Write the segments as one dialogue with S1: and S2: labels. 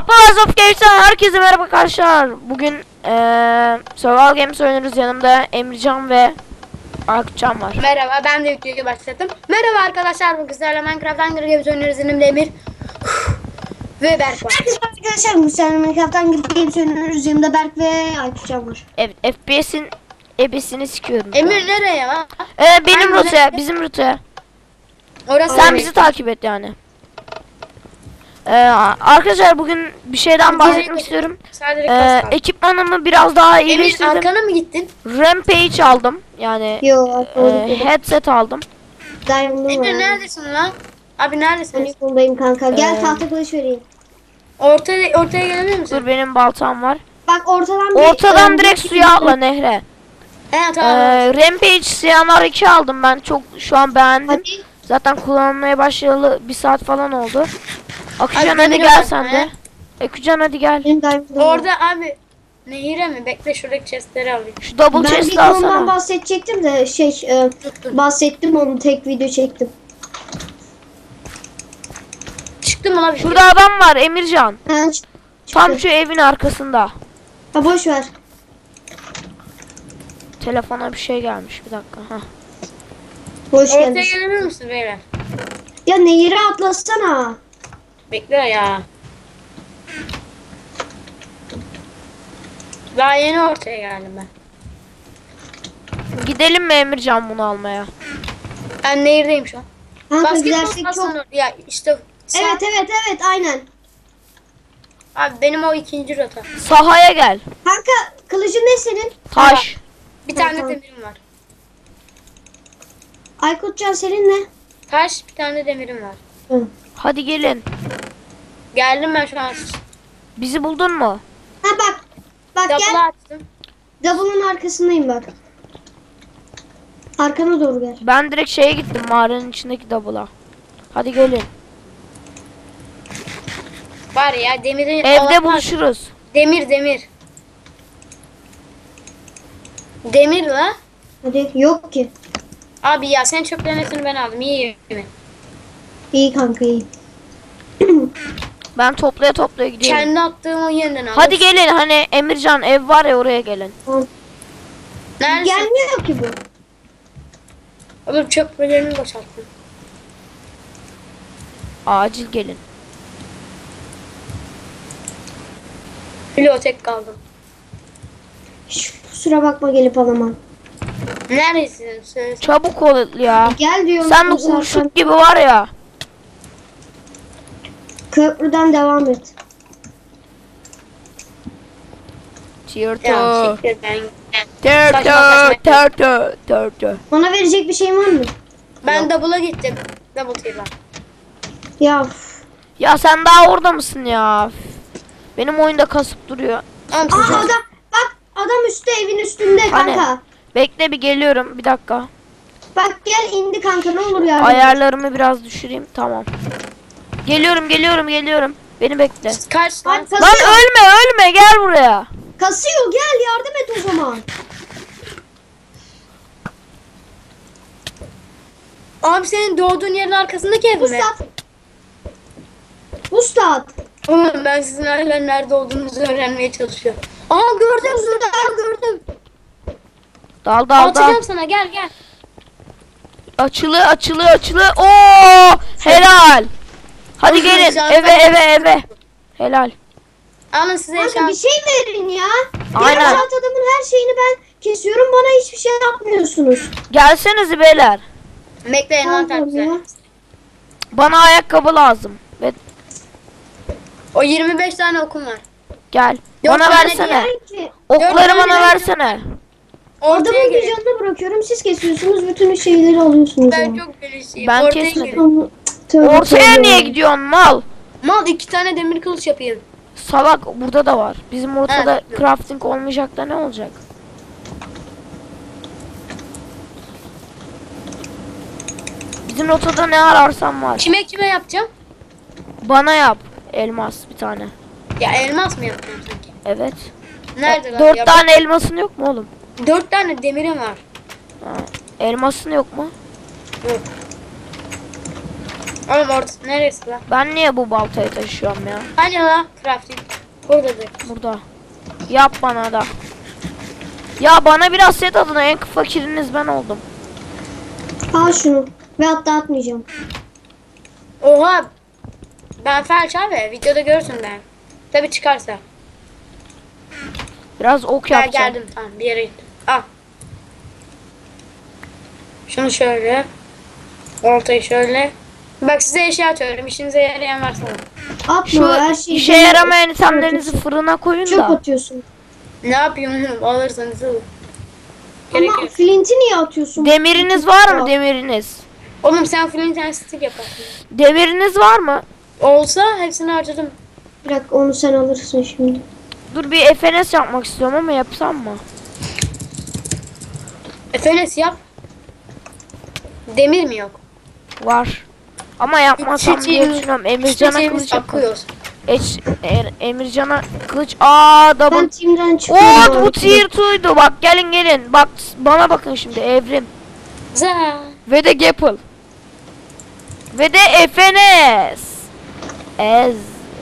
S1: Papaz of Games'ten herkese merhaba arkadaşlar. Bugün Survival Games oynuyoruz. Yanımda Emrecan ve Akçam var.
S2: Merhaba, ben de videoyu başlattım. Merhaba arkadaşlar, bugün sizlerle Minecraft Hunger Games oynuyoruz. Yanımda Emir ve Berk var.
S3: Herkese arkadaşlar, bu sene Minecraft Hunger Games oynuyoruz. Yanımda Berk ve Aykutcan var.
S1: Evet, FPS'in ebesini sikiyorum.
S2: Emir nereye lan?
S1: Benim
S2: Hangi
S1: rotaya,
S2: nereye?
S1: bizim rotaya.
S2: Orası
S1: Sen
S2: nereye?
S1: bizi takip et yani. Arkadaşlar bugün bir şeyden bahsetmek istiyorum.
S2: Sadece kas kaldı.
S1: Ekipmanımı biraz daha
S2: Emir
S1: iyileştirdim.
S2: arkana mı gittin?
S1: Rampage aldım. Yani
S3: Yo,
S1: headset aldım.
S3: Diamond'um
S2: Emir
S3: var.
S2: neredesin lan? Abi neredesin?
S3: Ben yoldayım kanka. Gel tahta kılıç vereyim.
S2: Ortaya gelebilir misin?
S1: Dur, benim baltam var.
S3: Bak
S1: Ortadan direkt suya atla nehre.
S2: He tamam.
S1: Rampage Siyanar 2 aldım ben, çok şu an beğendim.
S3: Hadi.
S1: Zaten kullanmaya başlayalı 1 saat falan oldu. Akıcan hadi
S2: Emir
S1: gel
S2: var,
S1: sen
S2: he?
S1: de. Akıcan hadi gel.
S3: Benim Diamond'um var.
S2: Orada abi nehire mi? Bekle şuradaki chestleri alayım.
S1: Şu double
S3: Ben
S1: chest'i
S3: bir ondan
S1: alsana.
S3: bahsedecektim de bahsettim, onu tek video çektim.
S2: Çıktı mı lan?
S1: Şurada adam var Emircan.
S3: Ha,
S1: Tam şu evin arkasında.
S3: ha boş ver.
S1: Telefona bir şey gelmiş, bir dakika. Heh.
S3: Boş
S2: Ortaya
S3: gelmiş.
S2: gelebilir misin beyler?
S3: Ya nehire atlasana.
S2: Bekle ya. Daha yeni ortaya geldim ben.
S1: Gidelim mi Emircan bunu almaya?
S2: Ben nehirdeyim şu an.
S3: Kanka
S2: Basketbol
S3: gidersek çok...
S2: sahasına ya işte.
S3: Evet aynen.
S2: Abi benim o ikinci rota.
S1: Sahaya gel.
S3: Kanka kılıcın ne senin?
S1: Taş.
S2: Bir tane
S3: tamam.
S2: demirim var.
S3: Aykutcan senin ne?
S2: Taş bir tane demirim var.
S3: Hı.
S1: Hadi gelin.
S2: Geldim ben şu an.
S1: Bizi buldun mu?
S3: Ha bak. Bak
S2: Double
S3: gel.
S2: açtım.
S3: Double'ın arkasındayım bak. Arkana doğru gel.
S1: Ben direkt şeye gittim, mağaranın içindeki double'a. Hadi gelin.
S2: Var ya demirin.
S1: Evde
S2: Allah'tan-
S1: buluşuruz.
S2: Demir. Demir la.
S3: Hadi yok ki.
S2: Abi ya sen çöplerin hepsini ben aldım. İyi mi?
S3: İyi kanka iyi.
S1: Ben toplaya gidiyorum.
S2: Kendi attığım o yeniden aldım.
S1: Hadi gelin, hani Emircan ev var ya, oraya gelin.
S3: Tamam.
S2: Neredesin?
S3: Gelmiyor ki bu.
S2: Oğlum çöplerini boşalttım.
S1: Acil gelin.
S2: Bibliotek kaldım.
S3: Kusura bakma gelip alamam.
S2: Neredesin? Söyle.
S1: Çabuk ol ya.
S3: Gel diyorum.
S1: Sen de
S3: zaten.
S1: kurşuk gibi var ya.
S3: Köprüden devam et.
S2: Ya
S1: Tırtı.
S2: siktir ben.
S1: Tırtı.
S3: Bana verecek bir şeyin var mı?
S2: Ben double'a gittim. Double table.
S3: Ya üf.
S1: Ya sen daha orada mısın ya? Benim oyunda kasıp duruyor.
S2: Oğlum
S3: Aa
S2: siz-
S3: adam bak, adam üstte, evin üstünde
S1: Hani?
S3: kanka.
S1: Bekle, bir geliyorum, bir dakika.
S3: Bak gel, indi kanka, ne olur yardım et.
S1: Ayarlarımı biraz düşüreyim, tamam. Geliyorum. Beni bekle.
S2: Kaç lan?
S3: Bak
S1: Lan
S3: kasıyor.
S1: ölme, gel buraya.
S3: Kasıyor, gel yardım et o zaman.
S2: Abi senin doğduğun yerin arkasındaki ev mi?
S3: Ustad. Ustad.
S2: Oğlum ben sizin hala nerede olduğunuzu öğrenmeye çalışıyorum. Aa gördüm gördüm.
S1: Dal.
S2: Atacağım sana gel.
S1: Açılı. Oo, helal. Hadi
S2: Oğlum,
S1: gelin
S2: şu an
S1: eve. Helal.
S2: Alın size
S3: Kanka
S2: eşya.
S3: bir şey verin ya.
S1: Aynen.
S3: Yarım saat adamın her şeyini ben kesiyorum, bana hiçbir şey yapmıyorsunuz.
S1: Gelsenize beyler.
S2: Bekle envanter
S3: Tamam
S2: güzel.
S3: ya.
S1: Bana ayakkabı lazım. Ve
S2: O 25 tane okum var.
S1: gel.
S2: Yok,
S1: Bana
S2: bana
S1: versene.
S3: Ki,
S1: Okları
S2: Dört tane
S1: bana
S2: vereceğim.
S1: versene.
S2: Ortaya
S3: adamın bir
S2: gelin.
S3: canını bırakıyorum, siz kesiyorsunuz, bütün şeyleri alıyorsunuz.
S2: Ben
S3: yani.
S2: çok gelişeyim.
S1: Ben
S2: Ortaya
S1: kesmedim.
S2: gelin.
S3: Tamam, tövbe
S1: Ortaya
S3: tövbe.
S1: niye gidiyorsun mal?
S2: Mal 2 tane demir kılıç yapayım.
S1: Salak, burada da var. Bizim ortada
S2: Evet.
S1: crafting olmayacak da ne olacak? Bizim rotada ne ararsan var.
S2: Kime yapacağım?
S1: Bana yap. Elmas bir tane.
S2: Ya elmas mı yapacağım sanki?
S1: Evet.
S2: Nerede lan?
S1: 4
S2: Ya
S1: tane elmasın yok mu oğlum?
S2: 4 tane demirim var.
S1: Ha. Elmasın yok mu?
S2: Yok. Oğlum ortası neresi lan?
S1: Ben niye bu baltayı taşıyorum ya?
S2: Hani lan crafting? Buradadır.
S1: Burada. Yap bana da. Ya bana biraz set adına en fakiriniz ben oldum.
S3: Al şunu. Ve hatta atmayacağım.
S2: Oha. Ben felç abi. Videoda görürsün ben. Tabi çıkarsa.
S1: Biraz ok
S2: Ben
S1: yapacağım.
S2: geldim tamam bir yere gittim. Al. Şunu şöyle. Ortayı şöyle. Bak size eşya atıyorum. İşinize yarayan varsa.
S3: Atma
S1: Şu
S3: her şeyi.
S1: işe yaramayan itemlerinizi fırına koyun
S3: Çöp
S1: da.
S3: atıyorsun.
S2: Ne yapayım oğlum? Alırsanız alın. Gerek
S3: Ama
S2: yok.
S3: flinti niye atıyorsun?
S1: Demiriniz var mı demiriniz?
S2: Oğlum sen flint and stick yaparsın.
S1: Demiriniz var mı?
S2: Olsa hepsini harcadım.
S3: Bir dakika onu sen alırsın şimdi.
S1: Dur bir FNS yapmak istiyorum ama yapsam mı?
S2: Efenes yap. Demir mi yok?
S1: Var. Ama yapmasam diye düşünüyorum. Emircan'a
S2: Çiçeğimiz
S1: kılıç yapın.
S2: akıyoruz.
S1: Emircan'a kılıç. Aa
S3: Ben
S1: double.
S3: team'den çıkıyorum.
S1: Oo bu tier 2'ydu. Bak gelin gelin. Bak bana bakın şimdi evrim.
S2: Za.
S1: Ve de Gapple. Ve de FNS. Ez.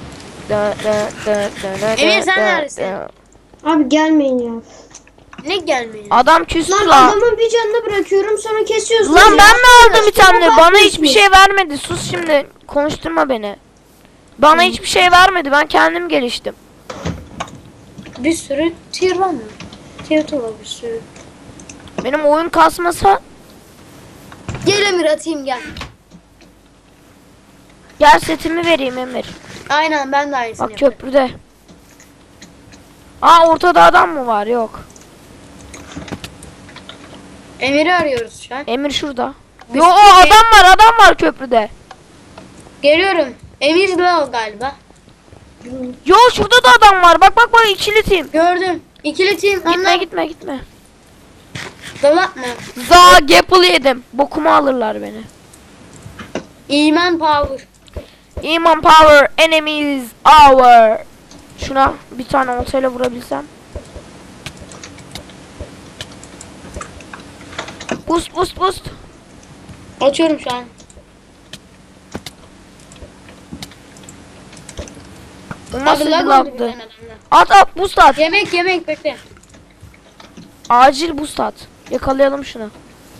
S2: Emir, sen neredesin?
S3: Abi gelmeyin ya.
S2: Ne gelmiyor?
S1: Adam küstü
S3: Lan
S1: lan.
S3: adamın bir canını bırakıyorum sonra kesiyorsun.
S1: Lan
S3: ya.
S1: ben mi aldım itemleri? Bana
S3: bakmıyorsun.
S1: hiçbir şey vermedi. Sus şimdi. Konuşturma beni. Bana hiçbir şey vermedi. Ben kendim geliştim.
S2: Bir sürü tier var mı? Tier 2 var bir sürü.
S1: Benim oyun kasmasa
S2: Gel Emir atayım gel.
S1: gel setimi vereyim Emir.
S2: Aynen ben de aynısını
S1: Bak
S2: yapıyorum.
S1: köprüde. Aa ortada adam mı var? Yok.
S2: Emir'i arıyoruz şu an.
S1: Emir şurada.
S2: Bir
S1: Yo o
S2: sürü-
S1: adam var köprüde.
S2: Geliyorum. Emir de o galiba.
S1: Yo şurada da adam var. Bak bak bak ikili team.
S2: Gördüm. İkili team.
S1: Gitme
S2: Onlar
S1: gitme.
S2: dolap mı?
S1: Za Gapple yedim. Bokumu alırlar beni.
S2: İman power.
S1: Iman power enemies our. Şuna bir tane oltayla vurabilsem. Boost.
S2: Açıyorum şu an.
S1: O
S2: Abi
S1: nasıl bir
S2: lag oldu
S1: lagdı?
S2: birden adamda.
S1: At boost at.
S2: Yemek bekle.
S1: Acil boost at. Yakalayalım şunu.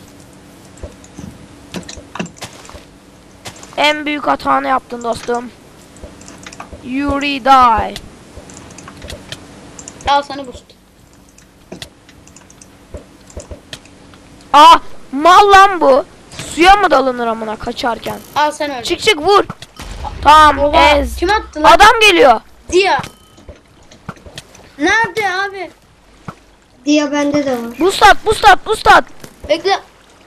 S1: En büyük hatanı yaptın dostum. Yuri die.
S2: Al sana boost.
S1: Aa mal lan bu. Suya mı dalınır amına kaçarken?
S2: Al sen öyle.
S1: Çık vur. Tamam
S2: Oha,
S1: ez.
S2: kim attı lan?
S1: Adam geliyor.
S2: Dia. Nerede abi?
S3: Diye bende de var.
S1: Boost at.
S2: Bekle.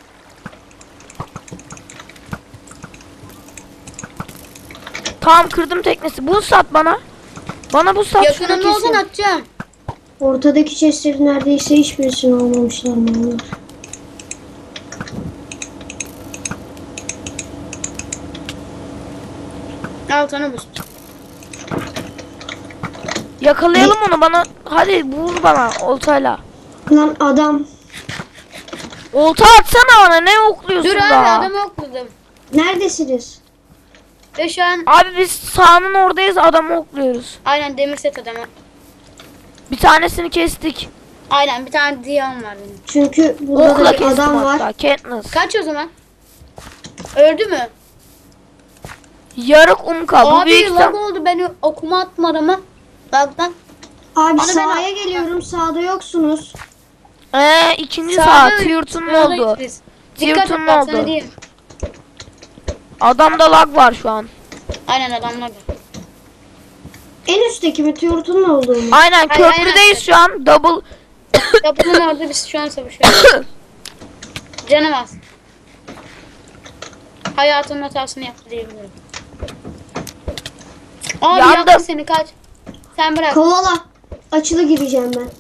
S1: Tamam kırdım teknesi. Boost at bana. Bana boost at. şunu
S2: Yakınımda olsan
S1: keseyim.
S2: atacağım.
S3: Ortadaki chestlerin neredeyse hiçbirisini almamışlar mallar.
S2: Al sana boost.
S1: Yakalayalım onu bana. Hadi vur bana oltayla.
S3: Lan adam.
S1: Olta atsana bana. Ne okluyorsun
S2: Dur abi
S1: daha?
S2: adamı okladım.
S3: Neredesiniz?
S2: Ve şu an
S1: Abi biz sahanın oradayız. Adamı okluyoruz.
S2: aynen demir set adamı.
S1: Bir tanesini kestik.
S2: Aynen bir tane Dia'm var benim.
S3: Çünkü burada
S1: Okla
S3: da bir
S1: kestim
S3: adam var.
S1: hatta. Katniss.
S2: Kaç o zaman? Öldü mü?
S1: Yarık umka. Bu
S2: Abi
S1: büyük
S2: lag oldu beni okuma atmadı mı? Lagdan.
S3: Abi
S2: Onu ben
S3: sahaya geliyorum. Sağda yoksunuz.
S1: İkinci
S2: Sağda-
S1: saat. Tiyurtun mu
S2: sağdayız
S1: oldu?
S2: biz.
S1: Tiyurtun
S2: Dikkat et
S1: mu
S2: bak sana
S1: oldu?
S2: diyeyim.
S1: Adamda lag var şu an.
S2: Aynen adamlar.
S3: En üstteki mi? Turt'un olduğu mu?
S1: Aynen
S2: Hayır,
S1: köprüdeyiz
S2: aynen.
S1: şu an. Double.
S2: Kapının orada biz şu an savaşıyoruz. Canım az. Hayatının hatasını yaptı diyebilirim. Abi
S1: Yandım.
S2: yaktı seni kaç. Sen bırak.
S3: Kovala. Açılı gireceğim ben.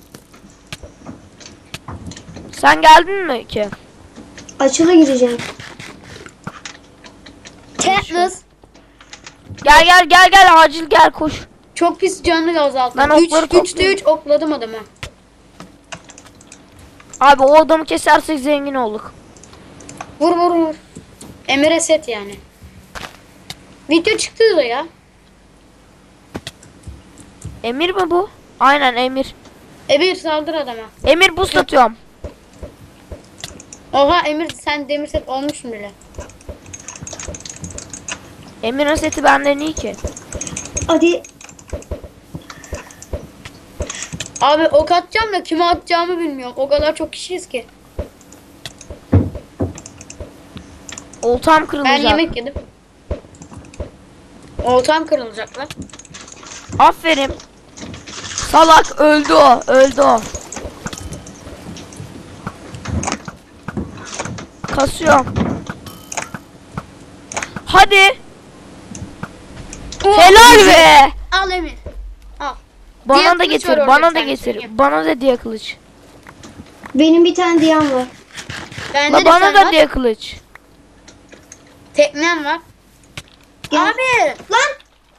S1: Sen geldin mi ki?
S3: Açılı gireceğim.
S2: Katniss
S1: Gel acil gel koş.
S2: çok pis canlı azalttı.
S1: Ben okları
S2: 3'te
S1: topluyorum.
S2: 3 okladım adamı.
S1: Abi o adamı kesersek zengin olduk.
S2: Vur. Emir'e set yani. Video çıktı da ya.
S1: Emir mi bu? Aynen Emir.
S2: Emir saldır adama.
S1: Emir boost atıyorum.
S2: Oha Emir sen demir set olmuşsun bile.
S1: Emir'in seti benden iyi ki.
S3: Hadi.
S2: Abi ok atacağım da kime atacağımı bilmiyorum. O kadar çok kişiyiz ki.
S1: Oltam
S2: Ben
S1: kırılacak.
S2: yemek yedim. Oltam kırılacak lan.
S1: Aferin. Salak öldü o. Öldü o. Kasıyorum. Hadi. Helal be.
S2: Al Emir. Al. Diğer
S1: Bana da
S2: kılıç
S1: getir.
S2: var orada
S1: Bana
S2: bir
S1: da
S2: tane,
S1: getir.
S2: söyleyeyim.
S1: Bana da diye kılıç.
S3: Benim bir tane diyam var.
S2: Bende
S1: La
S2: de
S1: bana
S2: sen
S1: da
S2: var.
S1: diye kılıç.
S2: Teknem var.
S3: Gel.
S2: Abi.
S3: Lan.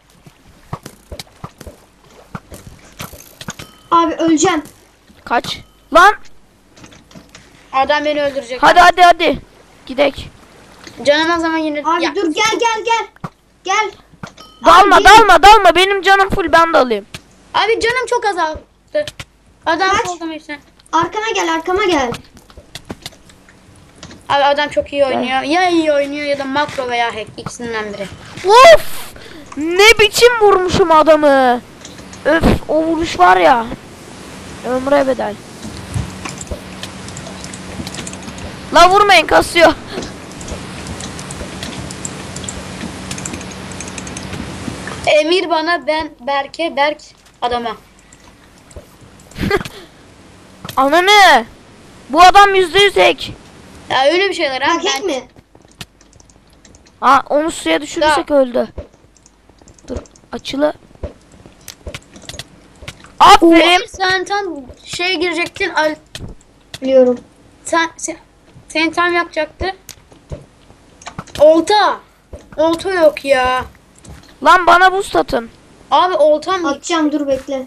S3: Abi öleceğim.
S1: Kaç. Lan.
S2: Adam beni öldürecek.
S1: Hadi hadi hadi. Gidek.
S2: Canım o zaman yine.
S3: Abi
S2: Ya,
S3: dur gel. Gel.
S1: Dalma
S3: Abi,
S1: dalma. Benim canım full, ben de alayım.
S2: Abi canım çok azaldı. Adam
S3: Kaç?
S2: oldu sen.
S3: Arkama gel.
S2: Abi adam çok iyi oynuyor. Ya iyi oynuyor ya da makro veya hack ikisinden biri.
S1: Of! Ne biçim vurmuşum adamı. Öf, o vuruş var ya. Ömre bedel. La vurmayın, kasıyor.
S2: Emir bana, ben Berke, Berk adama.
S1: Ananı. Bu adam %100 hack.
S2: Ya öyle bir şeyler ha.
S3: Bak hack mi?
S1: Ha, onu suya düşürürsek öldü. Dur, açılı. Aferin.
S2: Sen tam şeye girecektin.
S3: Biliyorum.
S2: Sen tam yapacaktı. Olta. Olta yok ya.
S1: Lan bana boost atın.
S2: Abi oltam yok.
S3: Atacağım dur bekle.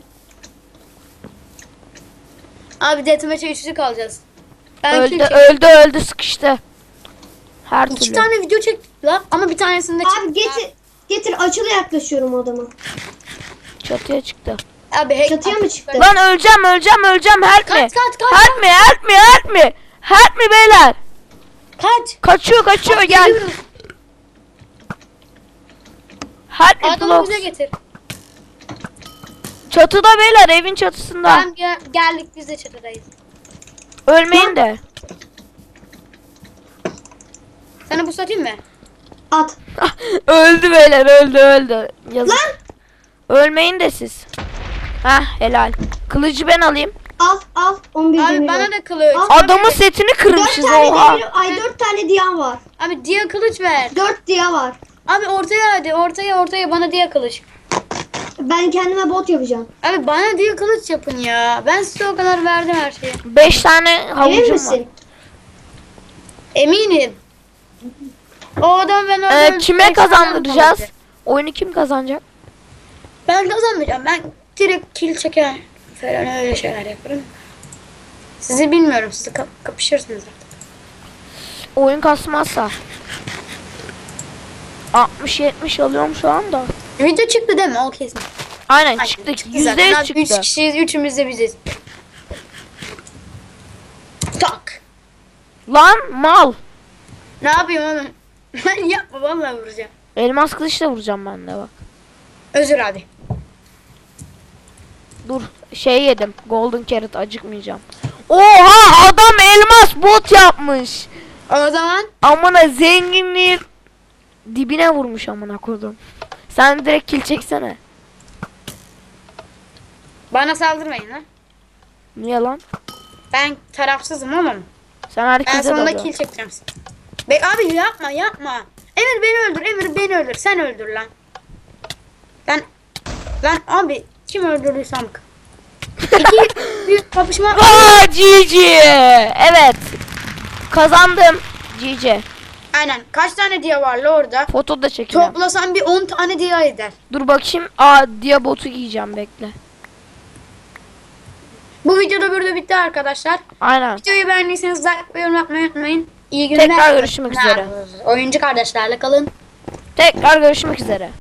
S2: Abi deathmatch'e üçlü kalacağız. Ben
S1: Öldü sıkıştı. Her
S2: İki
S1: türlü.
S2: tane video çektik lan ama bir tanesinde
S3: Abi getir açılı yaklaşıyorum adama.
S1: Çatıya çıktı.
S2: Abi hack
S3: Çatıya mı çıktı?
S1: Lan öleceğim. Help me.
S2: Kaç.
S1: Help me beyler.
S2: Kaç.
S1: Kaçıyor gel.
S2: Geliyoruz.
S1: Help me
S2: Adamı
S1: blocks.
S2: bize getir.
S1: Çatıda beyler, evin çatısında.
S2: Tamam geldik biz de çatıdayız.
S1: Ölmeyin de.
S2: Sana bu satayım mı?
S3: At.
S1: Öldü beyler, öldü. Yazık.
S3: Lan.
S1: Ölmeyin de siz. Hah, helal. Kılıcı ben alayım.
S3: Al 11
S2: Abi
S3: demir
S2: bana
S3: var.
S2: da kılıç.
S3: Al.
S1: Adamın setini
S3: 4
S1: kırmışız,
S3: tane
S1: oha.
S3: demir, 4 tane diyam var.
S2: Abi diye kılıç ver.
S3: 4 diya var.
S2: Abi ortaya hadi ortaya bana diye kılıç.
S3: Ben kendime bot yapacağım.
S2: Abi bana diye kılıç yapın ya. Ben size o kadar verdim her şeyi.
S1: 5 tane
S3: Emin
S1: havucum var.
S3: misin?
S2: Eminim. O adam ben orada
S1: Kime kazandıracağız? Oyunu kim kazanacak?
S2: Ben kazanmayacağım. Ben direkt kill çeker falan öyle şeyler yaparım. Sizi bilmiyorum. Siz kapışırsınız artık.
S1: Oyun kasmazsa. 60-70 alıyorum şu anda.
S2: Video çıktı değil mi? O kesin.
S1: Aynen
S2: Ay,
S1: çıktı.
S2: zaten.
S1: %100
S2: Abi,
S1: çıktı.
S2: 3 kişiyiz. Üçümüz de biziz. Tak.
S1: Lan mal.
S2: Ne yapayım oğlum? Ben yapma vallahi vuracağım.
S1: Elmas kılıçla vuracağım ben de bak.
S2: Özür abi.
S1: Dur, şey yedim. Golden carrot, acıkmayacağım. Oha, adam elmas bot yapmış.
S2: O zaman
S1: Amına, zenginliği dibine vurmuş amına koydum. Sen direkt kill çeksene.
S2: bana saldırmayın lan.
S1: Niye lan?
S2: Ben tarafsızım oğlum.
S1: Sen
S2: Ben
S1: herkese
S2: sonunda
S1: dalıyorsun.
S2: kill çekeceğim. Abi yapma. Emir beni öldür. Sen öldür lan. Lan abi kim öldürdüysem. İki büyük kapışma.
S1: Aa, GG. Evet. Kazandım. GG.
S2: Aynen. Kaç tane diye var la orada?
S1: Foto da çekeceğim.
S2: Toplasan bir 10 tane diye eder.
S1: Dur bakayım. Aa, diye botu giyeceğim, bekle.
S2: Bu videoda burada bitti arkadaşlar.
S1: Aynen.
S2: Videoyu beğendiyseniz like ve yorum yapmayı unutmayın. İyi günler.
S1: Tekrar görüşmek üzere.
S2: Oyuncu kardeşlerle kalın.
S1: Tekrar görüşmek üzere.